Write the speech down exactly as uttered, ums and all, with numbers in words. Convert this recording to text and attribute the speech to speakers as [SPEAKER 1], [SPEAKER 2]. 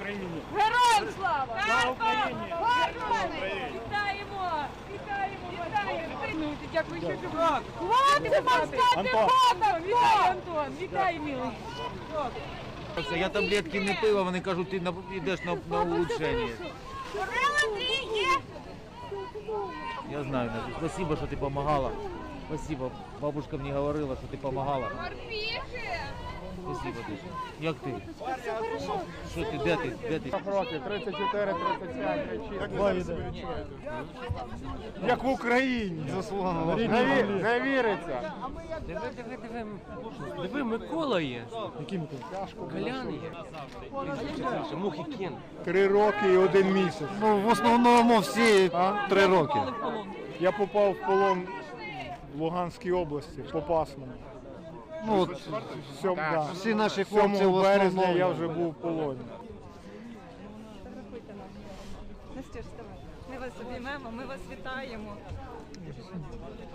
[SPEAKER 1] Україні!
[SPEAKER 2] Героям слава!
[SPEAKER 1] Слава Україні!
[SPEAKER 2] Вітаємо! Вітаємо! Вітаємо! Дякую, що любите. Хлопці, морська піхота! Вітаю, Антон! Вітаю, милий!
[SPEAKER 3] Я таблетки не пив, а вони кажуть, ти йдеш на, на улучшення. Я знаю, Надя. Спасибо, що ти допомагала. Спасибо. Бабушка мені говорила, що ти допомагала. Спасибо дуже. Як ти? Що ти, де ти? Де ти?
[SPEAKER 1] Років, тридцять чотири тридцять п'ять, тридцять шість. Як в Україні.
[SPEAKER 4] Заслуга.
[SPEAKER 1] Не, ві- не віриться.
[SPEAKER 5] Диви, диви, диви. Диви, Микола є.
[SPEAKER 4] Який Микола?
[SPEAKER 5] Колян є. Мухи кін.
[SPEAKER 1] Три роки і один місяць.
[SPEAKER 4] Ну, в основному всі три роки.
[SPEAKER 1] Я попав в полон в Луганській області, Попасному.
[SPEAKER 4] Ну, от,
[SPEAKER 1] Сьом, да.
[SPEAKER 4] всі наші хлопці в
[SPEAKER 1] сьомого березня
[SPEAKER 4] основному.
[SPEAKER 1] я вже був в полоні.
[SPEAKER 6] Настюш, давай. Ми вас обіймемо, ми вас вітаємо.